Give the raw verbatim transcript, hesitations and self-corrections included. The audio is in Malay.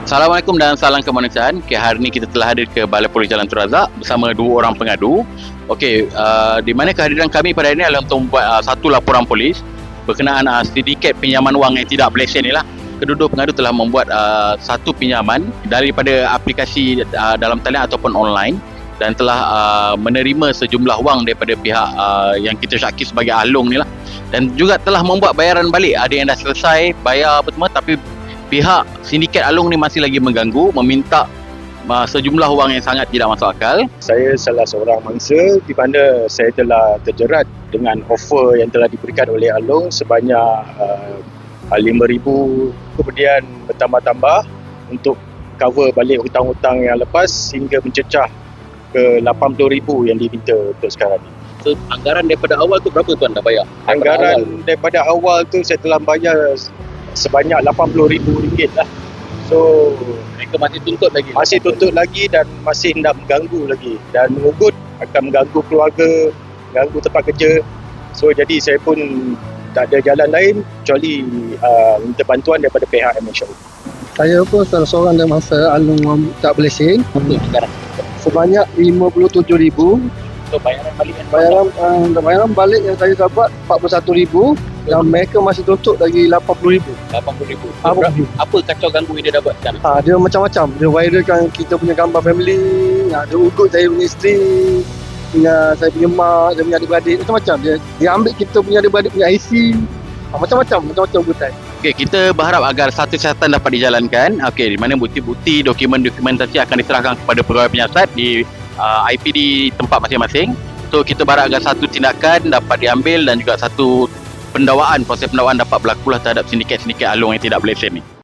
Assalamualaikum dan salam kemanusiaan. Okay, hari ini kita telah hadir ke Balai Polis Jalan Tun Razak bersama dua orang pengadu. Okey, uh, di mana kehadiran kami pada hari ini adalah untuk membuat uh, satu laporan polis berkenaan uh, sindiket pinjaman wang yang tidak berlesen ni lah. Kedua-dua pengadu telah membuat uh, satu pinjaman daripada aplikasi uh, dalam talian ataupun online dan telah uh, menerima sejumlah wang daripada pihak uh, yang kita syaki sebagai Along ni lah. Dan juga telah membuat bayaran balik. Ada yang dah selesai bayar apa semua, tapi pihak sindiket Along ni masih lagi mengganggu, meminta uh, sejumlah wang yang sangat tidak masuk akal. Saya salah seorang mangsa di mana saya telah terjerat dengan offer yang telah diberikan oleh Along sebanyak uh, lima ribu, kemudian bertambah-tambah untuk cover balik hutang-hutang yang lepas hingga mencecah ke lapan puluh ribu yang diminta untuk sekarang ni. So, anggaran daripada awal tu berapa tuan dah bayar? Anggaran awal. daripada awal tu saya telah bayar sebanyak lapan puluh ribu ringgit lah. So Mereka masih tuntut lagi? Masih tuntut lagi dan masih nak mengganggu lagi. Dan mengugut akan mengganggu keluarga, mengganggu tempat kerja. So jadi saya pun tak ada jalan lain kecuali uh, minta bantuan daripada pihak M H O. Saya pun salah seorang dari mangsa Along tak berlesen. Betul sekarang. Sebanyak lima puluh tujuh ribu. So bayaran balik yang Bayaran uh, bayaran balik yang saya dapat empat puluh satu ribu dan mereka masih tuntut lagi lapan puluh ribu. lapan puluh ribu. Apa, Apa kacau ganggu yang dia dapat sekarang? ha, dia macam-macam. Dia viralkan kita punya gambar family, ha, dia ugut saya punya isteri, punya saya punya mak, saya punya adik-beradik, macam-macam. Dia dia ambil kita punya adik-beradik punya I C, ha, macam-macam, macam-macam ugutan. Okey, kita berharap agar satu siasatan dapat dijalankan. Okey, di mana bukti-bukti, dokumen-dokumentasi akan diserahkan kepada pegawai penyiasat di uh, I P D tempat masing-masing. So kita berharap agar satu tindakan dapat diambil dan juga satu pendakwaan, proses pendakwaan dapat berlaku lah terhadap sindiket-sindiket Along yang tidak berlesen ni.